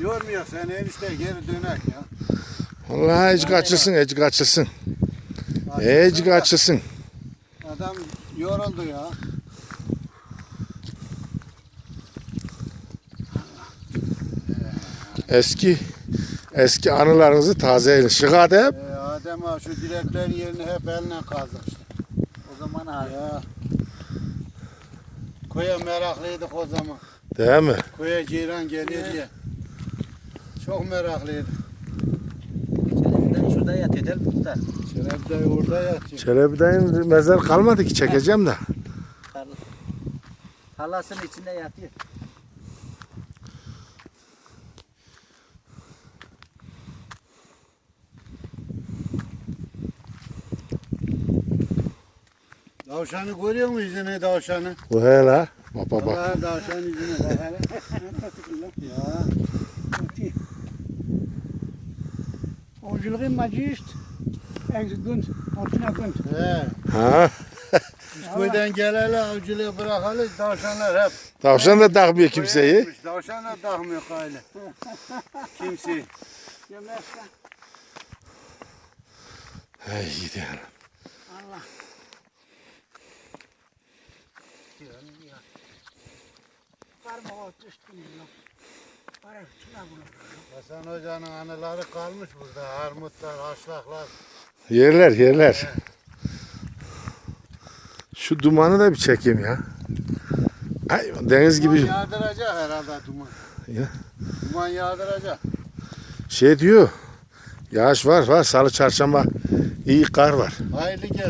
Yormuyor sen enişte geri dönek ya. Vallahi ecik açılsın, ecik açılsın. Ecik açılsın. Adam yoruldu ya. Eski anılarınızı tazeleyin. Şıkadem. Adem abi şu direklerin yerini hep eline kazdık işte. O zaman abi. Ya. Koya meraklıydık o zaman. Değil mi? Koya ceyran geliyor diye. Çok meraklıydık. Çelebi'den şurada yatıyor değil mi muhtar? Şeref dayı orada yatıyor. Çelebi'den mezar kalmadı ki çekeceğim de. Halasının içinde yatıyor. Tavşanı görüyor musun yüzüne tavşanı? Bu hele. Baba bak. Vallahi tavşan yüzüne bak hele. Ya. Avcılığı macist. Gün, altına gün. He. Ha. Biz köyden geleli avcılığı bırakalı tavşanlar hep. Tavşan da takmıyor kimseyi. Koya gitmiş, tavşan da takmıyor kaylı. Kimseyi. Yemezsen Hey gidiyorum. Allah. Parmağı üstüne yok. Para şuna bunu. Hasan Hoca'nın anıları kalmış burada. Armutlar, haşlaklar. Yerler. Şu dumanı da bir çekeyim ya. Ay, deniz Duman gibi yağdıracak herhalde duman. Ya. Duman yağdıracak. şey diyor. Yağış var. Salı çarşamba iyi kar var. Hayırlı gel.